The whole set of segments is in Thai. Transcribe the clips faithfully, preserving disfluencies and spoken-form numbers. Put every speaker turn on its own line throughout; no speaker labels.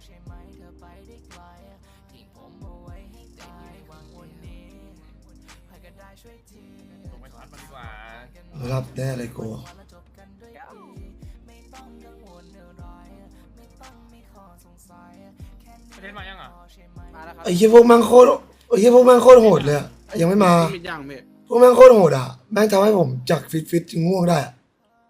รับแน่เลยกู
ประเทศมายังอ่ะ
ไอ้เหี้ยพวกแม่งโคตรไอ้เหี้ยพวกแม่งโคตรโหดเลยอะยังไม่มาพวกแม่งโคตรโหดอ่ะแม่งทำให้ผมจากฟิตฟิตจึงง่วงได้อะ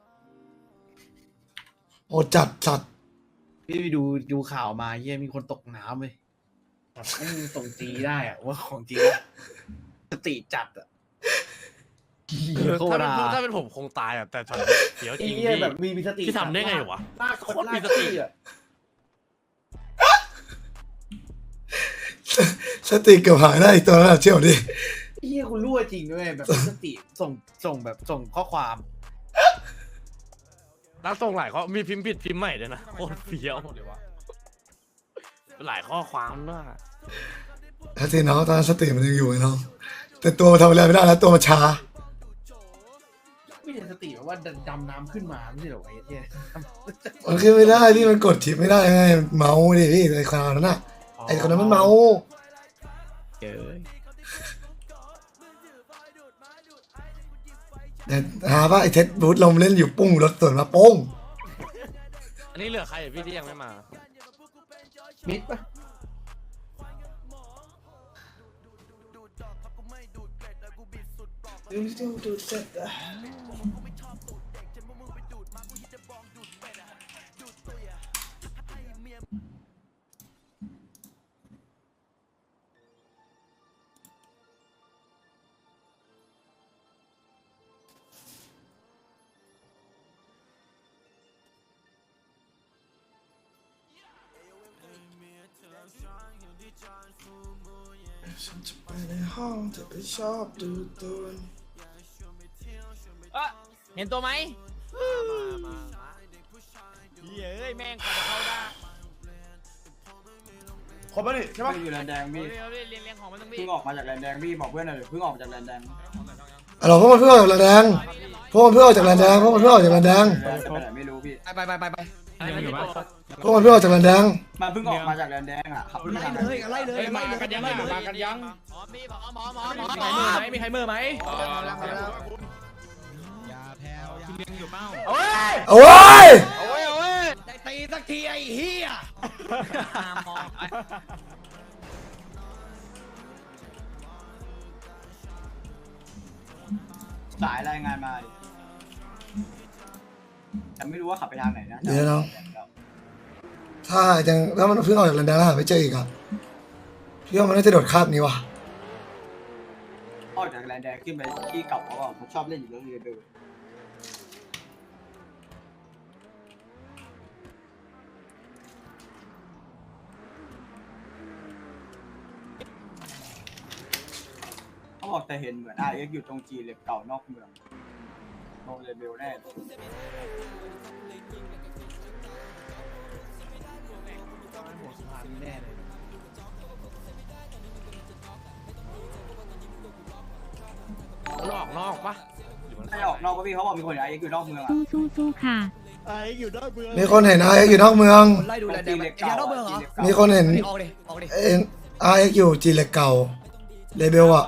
โหดจัดจัด
พี่ไปดูดูข่าวมาเยี่ยมีคนตกน้ำเลยแบบไม่มีส่งจีได้อะว่าของจริงอะสติจัดอะโค
ถ้า
ตร
เป็น
อะ
ถ้าเป็นผมคงตายอ่ะแต่ช็อตเสียวจ
ไอ้
ริง
เหี้ย
พี่
แบบมีมีสติ
พี่ทำได้ไงวะ
ลากคน
โคตรมี
ลาก
สติ
อะ
สติเกือบหายได้อีกตัวนั้นอะเชี่ยวดิ
ไอ้เหี้ยคุณรั่วจริงด้วยแบบมีสติส่งส่งแบบส่งข้อความ
แล้วส่งหลายข้อมีพิมพ์ผิดพิมพ์ใหม่ด้วยนะโคตรเฟี้ยวหลายข้อความด้วย
สติน้องตอนนั้นสติมันยังอยู่ไงน้องแต่ตัวมันทำอะไรไม่ได้แล้วตัวมันช้า
ไม่ใช่สติแบบว่าดำน้ำขึ้นมาไม่ใช่เหรอไอ้เหี้ย
มันขึ้นไม่ได้พี่มันกดทิปไม่ได้ไงเมาดิพี่ไอ้คราวนั้นน่ะไอ้คนนั้นมันเมา
เจอ
แต่หาว่าไอ้เท็ดบูธลมเล่นอยู่ปุ้งรถสวนมาโป้ง
อันนี้เหลือใครอ่ะพี่ที่ยังไม่มา
มิดปะ
ฉันจะไปในห้องจะไปชอบดูตัว
เอะเห็นตัวไหมเฮ้ยแม่งกว่าจะเข้าได้
ครบแล้วนี่ใช่ปะ
อยู่แลนแดงพี่
เรียงเรียงเรียงของมันต้องมี
เพิ่งออกมาจากแลนแดงพี่บอกเพื่อนหน่อยเพิ่งออกมาจากแลนแดง
อ๋อพวกมันเพิ่งออกจากแลนแดงพวกมันเพิ่งออกจากแลนแดงพวกมันเพิ่งออกจากแลนแดง
จะไปไหนไม่รู้พี่
ไปไปไปไป
ยังอยู่ปะ
พวกมันเพิ่งออกจากแลนแดง
มันเพิ่งออกมาจากแลนแดงอ่ะขับไม่ทัน
เลยอะไรเลยมากันยังมากันยัง
หมอมีหมอหมอหมอหมอ
มีใครมือไหมมีใครมือไหม
เอาไว้ย
เอาไว้เอาไว้ได้ตีสักทีไอ้เหี้ย
สายรายงานมาดิแต่ไม่รู้ว่าขับไปทางไหนนะ
เดี๋ยวน้องถ้ายังถ้ามันเพิ่งออกจากแลนแดงแล้วหาไม่เจออีกอ่ะพี่ว่ามันน่าจะโดดคาบนี้ว่ะ
ออกจากแลนแดงขึ้นไปที่เก่าเขาบอกเขาชอบเล่นอยู่เรื่องเรเบลเขาบอกแต่เห็นเหมือนไอเอ็กอยู่ตรงจีเหล็กเก่านอกเมืองโนเรเบลแน่
แน่เลย
หลอกนอกปะ
ไม่ออกนอกก็พี่เขาบอกมีคนไอเอ็กอยู่นอกเมืองอ่ะ
สู้สู้สู้ค่ะ
มีคนเห็นไอเอ็กอยู่นอกเมือง
ไล่ดูแลแดงไอ้ยานอกเมืองเหรอ
มีคนเห็น
ออกดิออกดิ
เอ็นไอเอ็กอยู่จีเหล็กเก่าเลเบลอ่ะ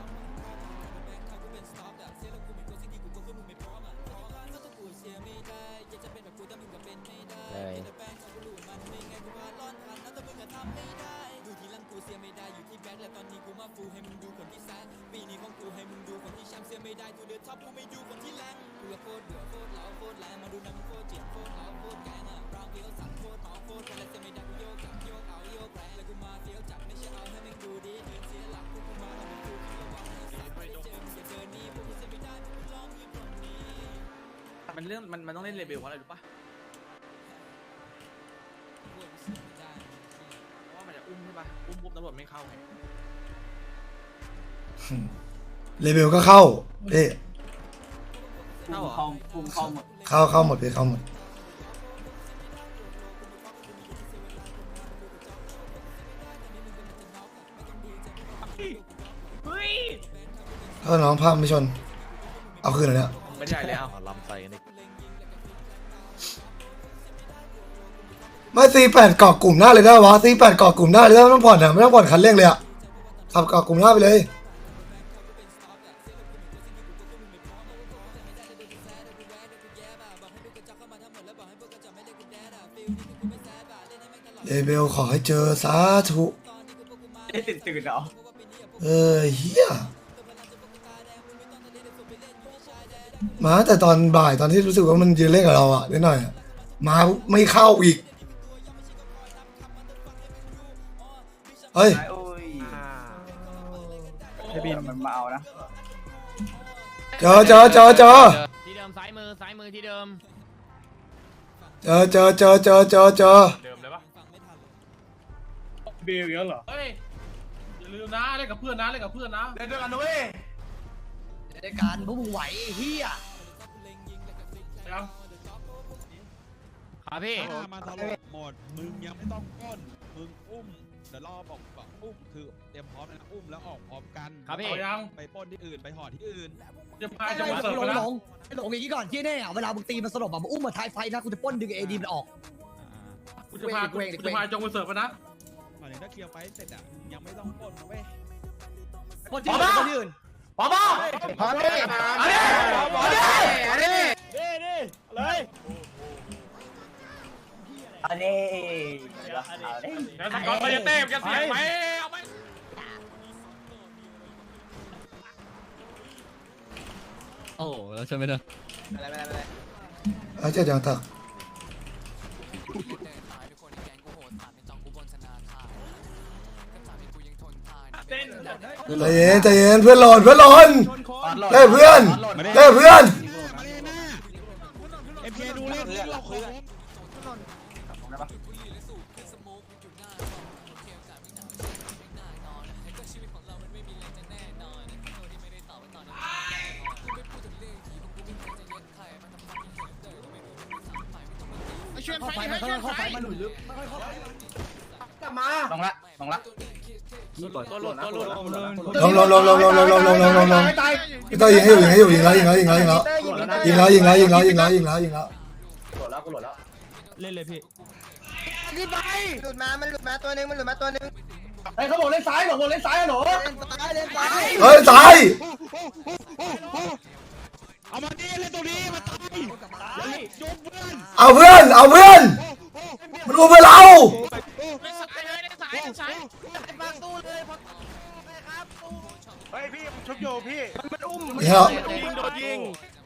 มันเรื่องมันมันต้องเล่นเลเบลเพราะอะไรรู้ปะเพราะว่ามันจะอุ้มใช่ปะอุ้มปุ๊บตำรวจไม่เข้าไง
เลเบลก็เข้าเอ๊ะ
เข้าเข้าพุ่งเข้าหมด
เข้าเข้าหมดไปเข้าหมดถ้าน้องพาไม่ชนเอาคืนเลยเนี่ย
ไม่ใช่แล้ว
ลำใส่กันอีก
ไม่ซีแปดเกาะกลุ่มหน้าเลยได้วะซีแปดเกาะกลุ่มหน้าเลยไม่ต้องผ่อนอ่ะไม่ต้องผ่อนคันเร่งเลยอ่ะขับเกาะกลุ่มหน้าไปเลยเลเบลขอให้เจอสาธุ
ไอ้ตื่นตื่นเหรอ
เออเฮียมาแต่ตอนบ่ายตอนที่รู้สึกว่ามันยืนเล่นกับเราอ่ะนิดหน่อยอะมาไม่เข้าอีกเฮ้ย
โอ้ยไอ้บินมันมาเอานะ
เจอเจอเจอเจอ
ที่เดิมซ้ายมือซ้ายมือที่เดิม
เจอเจอเจอเจอเจอเจอ
เดิมเลยปะ
เบลเยอะเหรอ
เฮ้ยอย่าลืมนะเล่นกับเพื่อนนะเล่นกับเพื่อนนะเล่นด้วยกันด้วย
ในการพวกมึงไหวไอ้เฮีย
ยัง
ครับพี่
มาตลอดหมดมึงยังไม่ต้องก้นมึงอุ้มเดี๋ยวรอบอกบอกอุ้มคือเตรียมพร้อมนะอุ้มแล้วออกพร้อมกัน
ครับพี่
เอายัง
ไปปล้นที่อื่นไปห่อที่อื่น
จะพา
ไอ้
จะ
หล
มาเสิร์ฟ
ง
ไปนะ
หลงไอ้หลงอย่างนี้ก่อนที่แน่อะเวลามึงตีมันสลบอะมึงอุ้มมาท้ายไฟนะกูจะป้นดึงเอดีมันออก
กูจะพากูจะพาจงไปเสิร์ฟไปนะ
หมายถึงถ้าเคลียร์ไฟเสร็จอ่ะมึงยังไม่ต้องปล้นนะเว้ย
ป้นที่อื่นป้นที่อื่น
ป๊อปป๊อป
พอดิ
อันนี้อันนี้อันนี้
อันนี้
อย่าสิก่อนไปจะเต้มจะเสียไปเอาไป
โอ้แล้วใช่ไหมเนอะ
อาจจะยังตักใจเย็นใจเย็นเพื่อนหล่นเพื่อนหล่นเฮ้ยเพื่อนเฮ้ยเพื่อน
มาเลยนะเอ็มเคดูเล่นเล่นเราของ
เข้าไฟมันเข้าไฟมันหลุดลึก
ลงละลงละ
ตัวหลุดตัวหลุด
ลงลงลงลงลงลงลงลงลงลงลงพี่ต้อยยิงให้อยู่ยิงให้อยู่ยิงแล้วยิงแล้วยิงแล้วยิงแล้วยิงแล้วยิงแล้วยิงแล้วยิงแล้วยิงแล้วยิงแล้ว
เล่นเลยพี่
รีบไป
หลุดมา มันหลุดมาตัวหนึง มันหลุดมาตัวหนึง
ไอ้เขาบอกเล่นซ้ายบอกเล่นซ้ายอะหนู
เล่นซ้ายเล่นซ้าย
เฮ้ยตาย
เอามาดิเล่นตรงนี้มาตายยกเพื่อน
เอาเพื่อนเอาเพื่อนมันอุ้มเพื่อนเรา
เล่นสายเลยเล่นสายเล่นสาย
มาตู้เลยพอ
เฮ้ยพี่ชุบโยพี่มันอุ้ม
นี่เหรอ
ยิงโดนยิง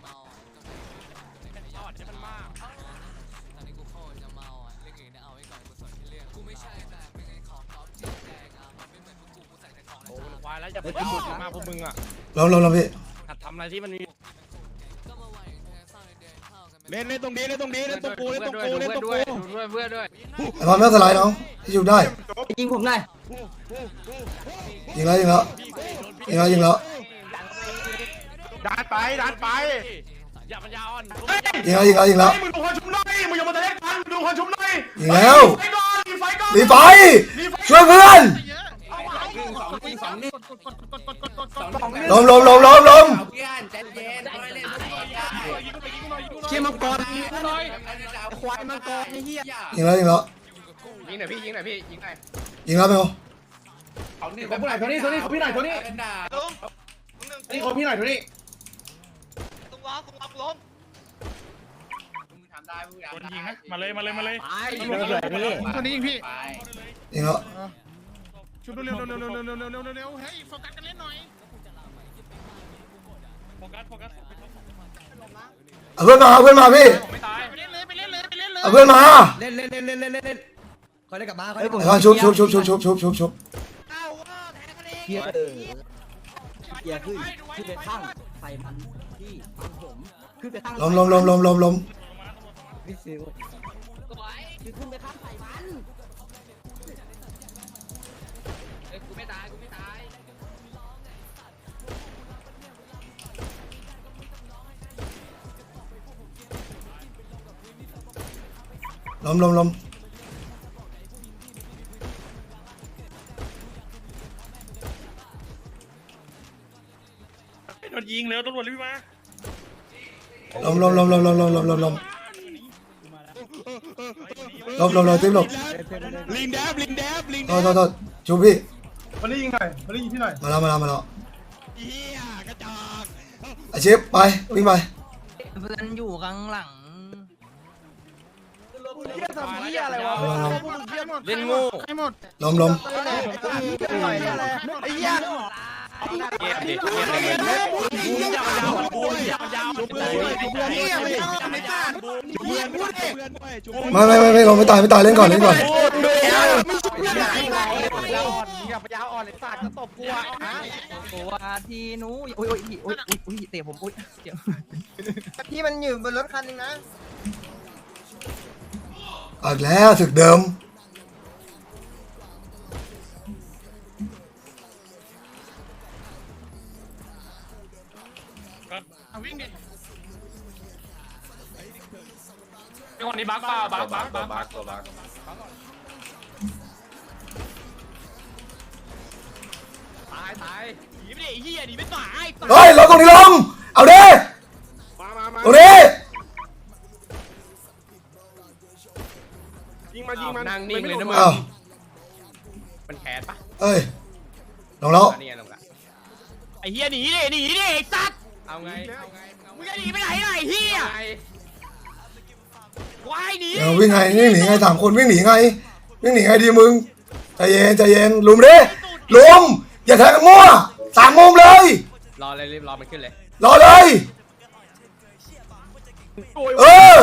ควายแล้วจะไปพูดมากพวกมึงอ่ะ
ลงลงลงพี่
หัดทำอะไรที่มันมี
เล่นเล่นตรงนี้เล่นตรงนี้เล่นตรงกูเล่นตรง
ด้วย
กูเล่นตรง
ด้
กู
วยด้วยเพื่อนด้วย
ไอ้พอมไม่สไลด์น้องที่อยู่ได้
ยิงผมหน่อย
ยิงแล้วยิงแล้วยิงแล้วยิงแล้ว
ดันไปดันไป
อย่าปัญญาอ่อน
ยิงแล้วยิงแล้วยิงแล้ว
มึงดูคนชุบหน่อยมึงอย่ามาทะเลาะกันดูคนชุบหน่อย
ยิงแล้ว
ไฟก่อนไฟก่อน
รีบไปช่วยเพื่อนล้มล้มล้มล้มล้ม
เชี่ยมังกร
ควายมังกรไอ้เหี้ย
ยิงแล้วยิงแล้ว
ยิงหน่อยพี่ยิงหน่อยพี่ยิงหน่อย
ยิงแล้วเปล่า
ของผู้ไหนโทนี่โทนี่ของพี่ไหนโทนี่นี่ของพี่ไหนโทนี่
โดนยิงนะมาเลยมาเลยมาเลย
คนนี้ยิงพี่
ยิงแล้ว
ชุบเร็วเร็วเร็วเร็วเร็วเร็วเร็วเร็วเร็วเฮ้ยโฟกัสกันเล่นหน่อยโฟกัสโฟกัส
เอาเพื่อนมาเอาเพื่อนมาพี่
ไม่ตายไปเล่นเลยไปเล่นเลยไปเล่นเลย
เอาเพื่อนมา
เล่นเล่นเล่นเล่นเล่นเล่นคอยได้กลับมาคอยได้กลับ
ไอ้พอชุบชุบชุบชุบชุบชุบชุบชุบ
เฮียเออเฮียขึ้นขึ้นไปข้างใส่มันที่ฟังผมขึ้นไปข้าง
ล้มล้มล้มล้มล้มล้ม
พี่ซิวขึ้นไปข้างใส่มัน
กูไม่ตายกูไม่ตาย
ล้มล้มล้ม
โดนยิงแล้วตำรวจรีบมา
ล้มล้มล้มล้มล้มล้มล้มล้มล้มล้มลบหลบหลบติ๊บหลบ
ลิงแดบลิงแดบลิง
โทษโทษโทษชูพี่
มาได้ยิงหน่อยมาได้ยิงพี่หน่อย
มาแล้วมาแล้วมาแล้ว
เฮียกระจอก
อาชิปไปวิ่งไป
เพื่อนอยู่ข้างหลัง
เฮียทำเฮียอะไรวะ
เล่นโง่
ใครหมด
ล้มล้ม
ไอ้เฮีย
เกมดิเกมเลยยาวยาวบูนยาวยาว
จุบเพื่อนด้วยจุบเพื่อนด้วยจุบเพื่อนด้วยจุบเพื่อนด้วย
ไม่ไม่ไม่ไม่ลงไม่ตายไม่ตายเล่นก่อนเล่นก่อน
อย่าไปยาวอ่อนเลยสัตว์จะตบกูอ่ะ
ตัวทีหนูอุ้ยอุ้ยอุ้ยอุ้ยอุ้ยเตะผมอุ้ย
พี่มันอยู่บนรถคันนึงนะ
ออกแล้วศึกเดิม
วิ่งดิ
คนนี้บักเปล่าบักบักบักบักตัวบักตายตายหนีไม่ได้เฮียหนีไม่ตาย
เฮ้ยลงตรงนี้ลงเอาดิ
มามามา
ตรงนี้
ยิงมายิงมัน
นั่งนิ่งเลยนะมึง
อ้าว
มันแขนปะ
เอ้ยลงแล้ว
นี่ไงลงละไอ้เฮียหนีดิหนีดิไอ้สัตว์เอาไงเอาไงมึงจะหนีไปไหนล่ะไอ้เฮียวายหนี
เดี๋ยววิ่งไงวิ่งหนีไงสามคนวิ่งหนีไงวิ่งหนีไงดีมึงใจเย็นใจเย็นลุมดิลุมอย่าแทงกันมั่วสามมุมเลย
รอเลยรีบรอมันขึ้นเลย
รอเลยเออ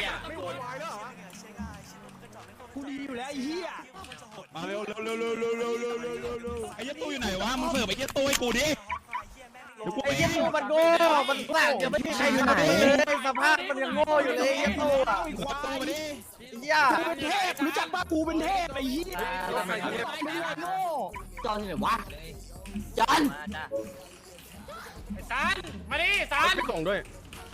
มาเร็วเร็วเร็วเร็วเร็วเร็วเร็วเร็วเร็วเร็วไอ้ยัดตู้อยู่ไหนวะมึงเสิร์ฟไอ้ยัดตู้ให้กูดิเดี๋ยวกูไป
ไอ้เฮียตัวมันโง่มันแกล้งจะไม่มีใครอยู่ไหนเลยสภาพมันยังโง่อยู่เลยไอ้เฮียตัวอ่ะ
ขอตู้มาดิ
เฮีย
รู้จักป่ะกูเป็นเทพไอ้เหี้ย
จอนเลยวะจอน
สันมาดิสัน
ไปส่งด้วย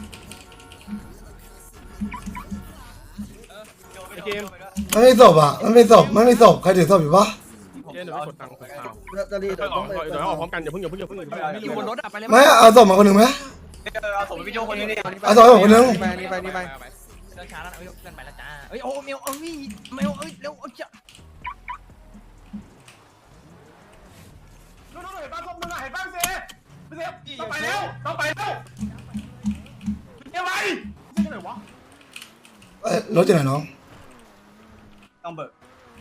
ไอ้เกม
มันไม่ศพอ่ะมันไม่ศพมันไม่ศพใครถือศพอยู่ปะ
เกมเดี๋ยวไปกดตังค์ของข้าว
จะรี
เดี๋ยวออกเดี๋ยวออกพร้อมกันอย่าเพิ่งอย่าเพิ่งอย่าเพิ่งอย่าเพิ่ง
ไม่อยู่บนรถอะไปเลย
ไม่เอาศพมาคนหนึ่งไหม
เอาส่งวิดีโอคนนี้ดิ
เอาศพมาคนหนึ่ง
ไปนี่ไปนี่ไป
เดินช้าแล้วเอ้ยเดินไปแล้วจ้าเอ้ยโอ้เมลเอ้ยเมลเอ้ยเร็วเอ้ย
นู่นนู่นเห็นบ้านพวกมึงอ่ะเห็นบ้านเซ่เซ่ต้องไปแล้วต้องไปแล้วเดี๋ยวไปเซ่ไหนวะ
เอ้ยรถอยู่ไหนน้อง
ต้องเบิก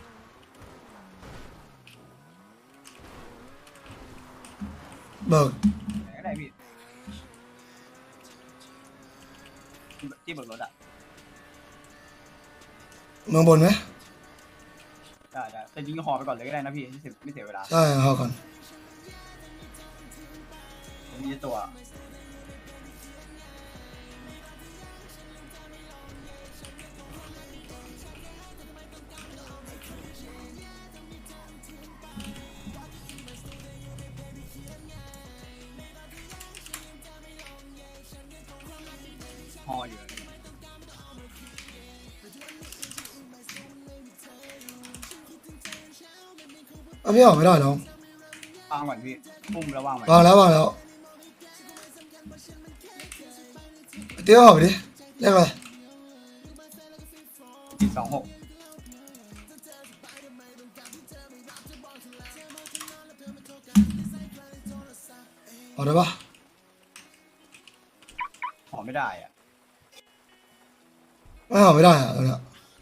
เบิก
ไหนก็ได้พี่ที่เบิกรถอ่ะ
เมืองบนไหม
ได้ได้แต่ยิงห่อไปก่อนเลยก็ได้นะพี่ไม่เสียไม่เสียเวลา
ใช่เอาก่อน
ผมมีตัว ห่ออยู่
เอาพี่ออกไม่ได้น้อง
วางก่อนพี่ปุ้มแล้ววางไว้
วางแล้ววางแล้วเตี้ยออกไปดิเรียกอะไร
สี่สองหก
ออกได้ปะ
ห่อไม่ได้อ่ะ
ไม่ออกไม่ได้อะตรงเนี้ย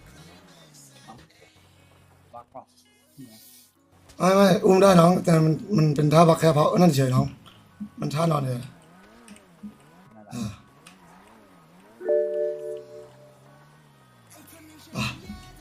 บักเปล่านี่ไง
ไม่ไม่อุ้มได้น้องแต่มันมันเป็นท่าบักแค่เพราะนั่นเฉยน้องมันท่านอนเลย
นั่นแหละ
เอออ่ะ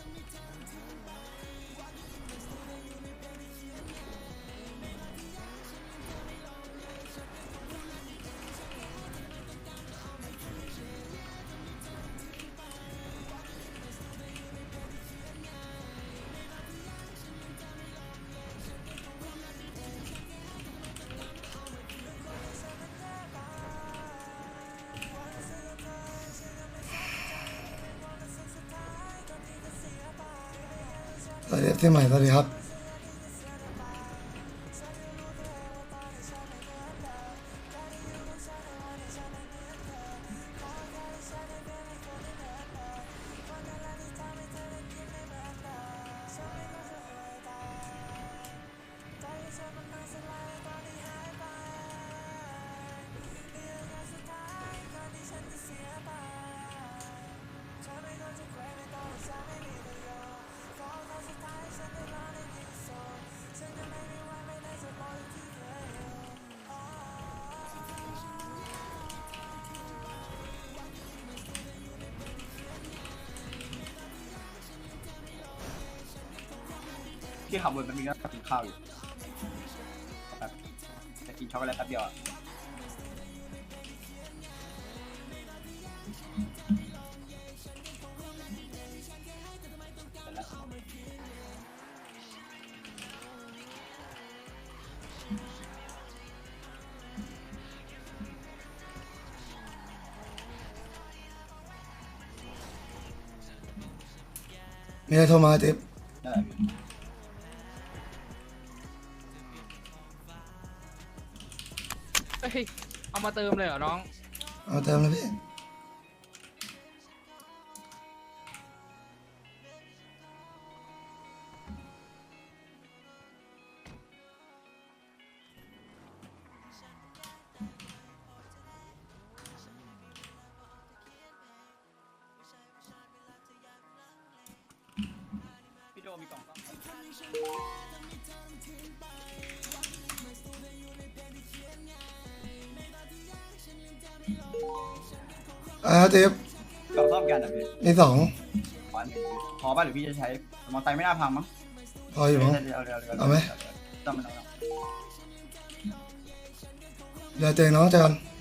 สวัสดีที่ใหม่สวัสดีครับ
ที่ขับรถมันมีก็กินข้าวอยู่แบบจะกินช็อกโกแลตแป๊บเดียวอะเสร็จแล้ว
มีอะไรโทรมาเต็ม
ได้
เฮ้ยเอามาเติมเลยเหรอน้อง
เอาเติมแล้วพี่
พี่โดมีกล่องซ่อม
อ่าเต็ม
กล่องซ่อมกันอ่ะพี่
มีสอง
ขวานหนึ่งพี่พอป่ะหรือพี่จะใช้มอเตอร์ไซค์ไม่น่าพังมั้ง
พออยู่มั้ง
เดี๋ยวเดี๋ยวเดี๋ยว
เอาไหม
ต้องมันเอา
เดี๋ยวเจอน้องเจอกัน